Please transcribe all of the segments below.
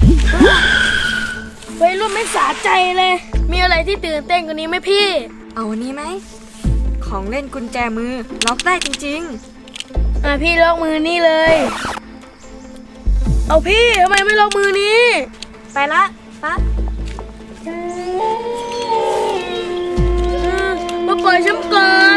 วัยรุ่นไม่สะใจเลย มีอะไรที่ตื่นเต้นกว่านี้ไหมพี่เอาอันนี้ไหมของเล่นกุญแจมือล็อกได้จริงพี่ล็อกมือนี่เลย เอาพี่ทำไมไม่ล็อกมือนี้ๆ ไปละปั๊บมาปล่อยฉันก่อน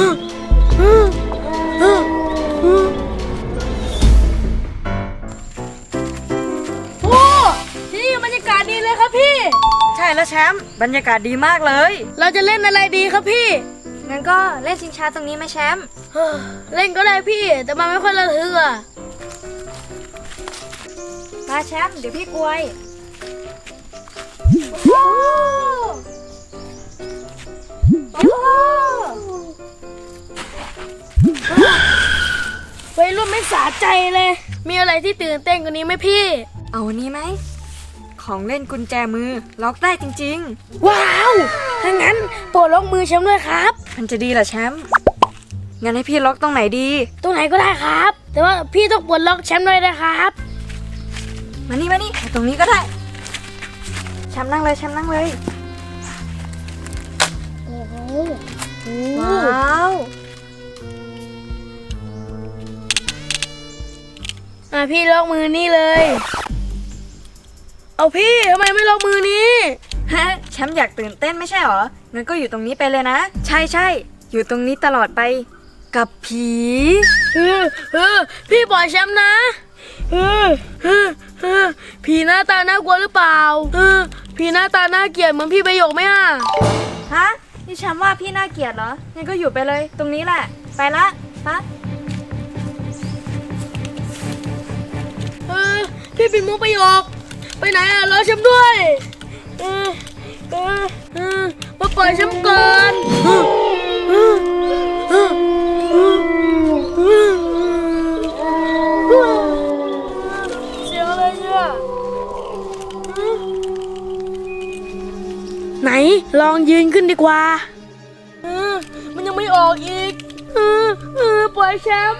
โอ้ที่นี่บรรยากาศดีเลยครับพี่ใช่แล้วแชมป์บรรยากาศดีมากเลยเราจะเล่นอะไรดีครับพี่งั้นก็เล่นชิงช้าตรงนี้ไหมแชมป์เล่นก็ได้พี่ แต่มันไม่ค่อยระทึกอ่ะมาแชมป์เดี๋ยวพี่กวยวัยรุ่นไม่สะใจเลย มีอะไรที่ตื่นเต้นกว่านี้ไหมพี่เอาอันนี้ไหมของเล่นกุญแจมือล็อกได้จริงว้าวถ้างั้นโปรดล็อกมือแชมป์ด้วยครับๆ มันจะดีเหรอแชมป์งั้นให้พี่ล็อกตรงไหนดีตรงไหนก็ได้ครับ แต่ว่าพี่ต้องปลดล็อกแชมป์ด้วยนะครับมานี่เอาตรงนี้ก็ได้แชมป์นั่งเลยแชมป์นั่งเลยโอ้โหว้าวพี่ล็อกมือนี่เลย เอาพี่ทำไมไม่ล็อกมือนี้ฮะแชมป์อยากตื่นเต้นไม่ใช่หรองั้นก็อยู่ตรงนี้ไปเลยนะใช่อยู่ตรงนี้ตลอดไปกับผีพี่ปล่อยแชมป์นะผีหน้าตาน่ากลัวหรือเปล่าผีหน้าตาน่าเกลียดเหมือนพี่ประโยคไหมอ่ะฮะนี่แชมป์ว่าพี่น่าเกลียดเหรองั้นก็อยู่ไปเลยตรงนี้แหละไปละปั๊บพี่ปิดมุกประโยคไปไหนอ่ะรอแชมป์ด้วยมาปล่อยแชมป์ก่อนเสียงอะไรเนี่ยไหนลองยืนขึ้นดีกว่ามันยังไม่ออกอีกปล่อยแชมป์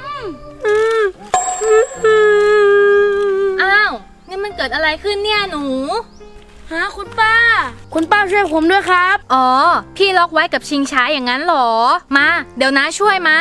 อ้าวนี่มันเกิดอะไรขึ้นเนี่ยหนูฮะคุณป้าช่วยผมด้วยครับอ๋อ พี่ล็อกไว้กับชิงช้าอย่างนั้นเหรอ มา เดี๋ยวนะช่วยมา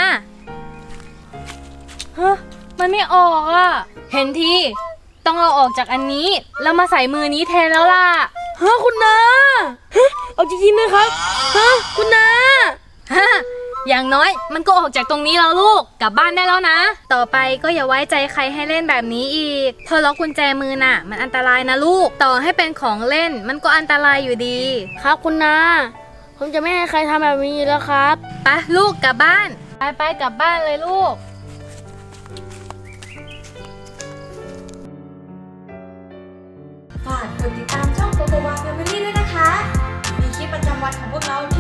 ฮะมันไม่ออกอ่ะ เห็นทีต้องเอาออกจากอันนี้ แล้วมาใส่มือนี้แทนแล้วล่ะฮะคุณนาฮะเอาจริงๆนะครับฮะคุณนาฮะอย่างน้อยมันก็ออกจากตรงนี้แล้วลูก กลับบ้านได้แล้วนะ ต่อไปก็อย่าไว้ใจใครให้เล่นแบบนี้อีกพอล็อกกุญแจมือน่ะมันอันตรายนะลูก ต่อให้เป็นของเล่นมันก็อันตรายอยู่ดีครับคุณนาผมจะไม่ให้ใครทำแบบนี้แล้วครับไปลูกกลับบ้าน ไปกลับบ้านเลยลูกฝากกดติดตามช่องโกโกวาแฟมิลี่ด้วยนะคะมีคลิปประจำวันของพวกเรา